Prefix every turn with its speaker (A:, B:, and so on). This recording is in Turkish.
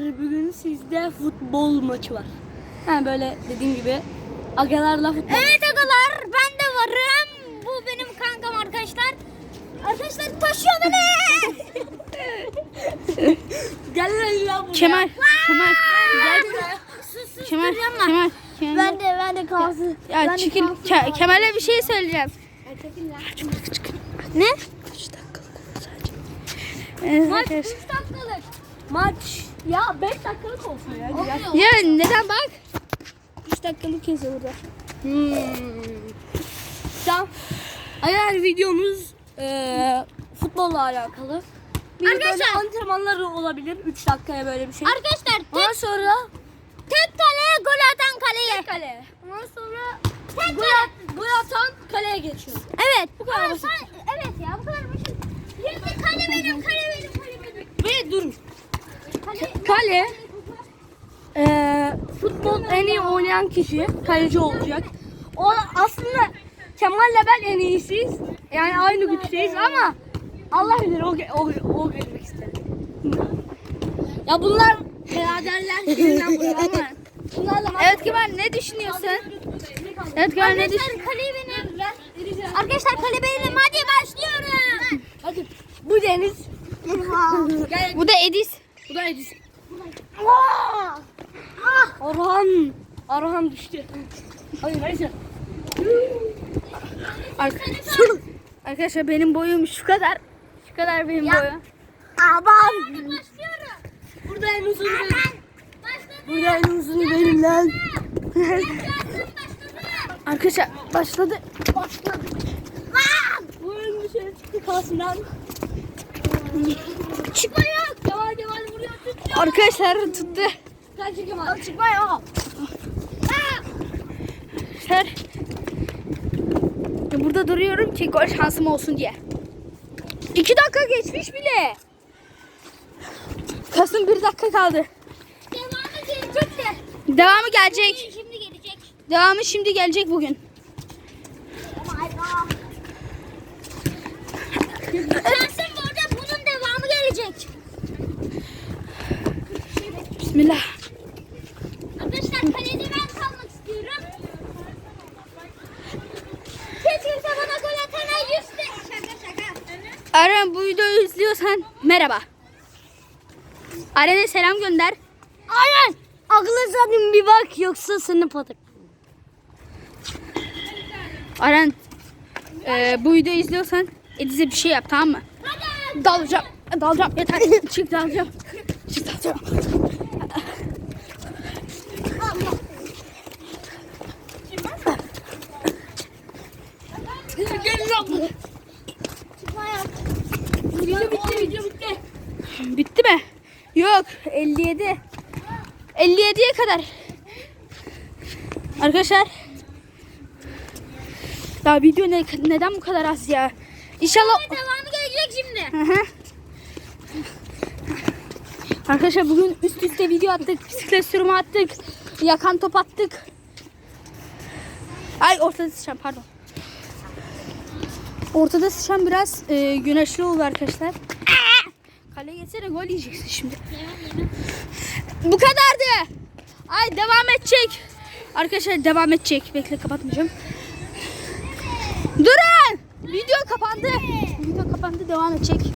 A: bugün sizde futbol maçı var. Yani böyle dediğim gibi agalarla futbol.
B: Evet agalar, ben de varım. Bu benim kankam arkadaşlar. Arkadaşlar taşıyor beni.
A: Gel lan buraya.
C: Kemal.
A: Gel buraya.
C: Kemal.
B: Ben de kalsın.
C: Ya çekil. Kemal'e bir şey söyleyeceğim.
B: Ne?
C: 3 dakikalık sadece.
B: Maç 3
C: Arkadaşlar.
B: dakikalık.
A: Maç ya 5 dakikalık olsun ya. Güzel.
C: Ya neden bak? 3 dakikalık yazıyor burada.
A: Tamam. Eğer videomuz futbolla alakalı. Bir de böyle
B: Arkadaşlar.
A: antrenmanlar olabilir. 3 dakikaya böyle bir şey.
B: Arkadaşlar
A: Ondan sonra
B: tek kaleye gol atan kaleye.
A: kale. Ondan sonra
B: Tek
A: gol atan kaleye geçiyor.
B: Evet.
A: Bu kadar basit.
B: Evet ya, bu kadar basit. Şimdi kale benim.
A: Ve dur.
B: Kale.
A: Kale futbol en iyi oynayan kişi kaleci olacak. O aslında Kemal'le ben en iyisiyiz. Yani aynı güçteyiz ama Allah bilir o girmek istedi. Ya bunlar biraderler şimdiden buraya ama bunlarla
C: Evet Kemal ne düşünüyorsun? Evet Kemal ne düşünüyorsun?
B: Arkadaşlar kale benim. Arkadaşlar kale benim. Hadi başlıyorum.
A: Hadi bu Deniz. Gel.
C: Bu da Edis.
A: Bu da Edis.
B: Ah!
A: Arhan düştü. Hayır neyse.
C: Arkadaşlar benim boyum şu kadar. Şu kadar benim boyum.
B: Aman. Başlıyorum.
A: Burada en uzun benim.
B: Başladı.
A: Burada en uzun benim lan.
C: Arkadaşlar başladı.
A: Bu en dışarı çıktı kalsın lan.
B: Çıkma yok.
A: Kemal vuruyor tuttu.
C: Arkadaşlar tuttu.
A: Kaç Kemal. Çıkma ya.
C: Arkadaşlar burada duruyorum ki gol şansım olsun diye. 2 dakika geçmiş bile. Kasım 1 dakika kaldı.
B: Devamı gelecek de.
C: Devamı gelecek.
B: Şimdi gelecek.
C: Devamı şimdi gelecek bugün.
B: Şansım bu arada, bunun devamı gelecek.
C: Bismillah.
B: Arkadaşlar kalede ben kalmak istiyorum. Hiç kimse bana gol atana 100 de. Şaka.
C: Aren bu videoyu izliyorsan merhaba. Aren'e selam gönder.
A: Aynen. Aklı zaten bir bak yoksa seni patak.
C: Aren bu videoyu izliyorsan Ediz'e bir şey yap, tamam mı? Dalacağım yeter. Çık dalacağım.
A: Gelin lan. Video bitti.
C: Bitti mi? Yok 57. 57'ye kadar. Arkadaşlar. Ya video neden bu kadar az ya? İnşallah.
B: Devamı gelecek şimdi.
C: Hı hı. Arkadaşlar bugün üst üste video attık. Bisiklet sürümü attık. Yakan top attık. Ay ortada sıçan pardon. Ortada sıçan biraz güneşli oldu arkadaşlar. Kaleye geçsene gol yiyeceksin şimdi. Bu kadardı. Ay devam edecek. Arkadaşlar devam edecek. Bekle kapatmayacağım. Durun. Video kapandı. Video kapandı, devam edecek.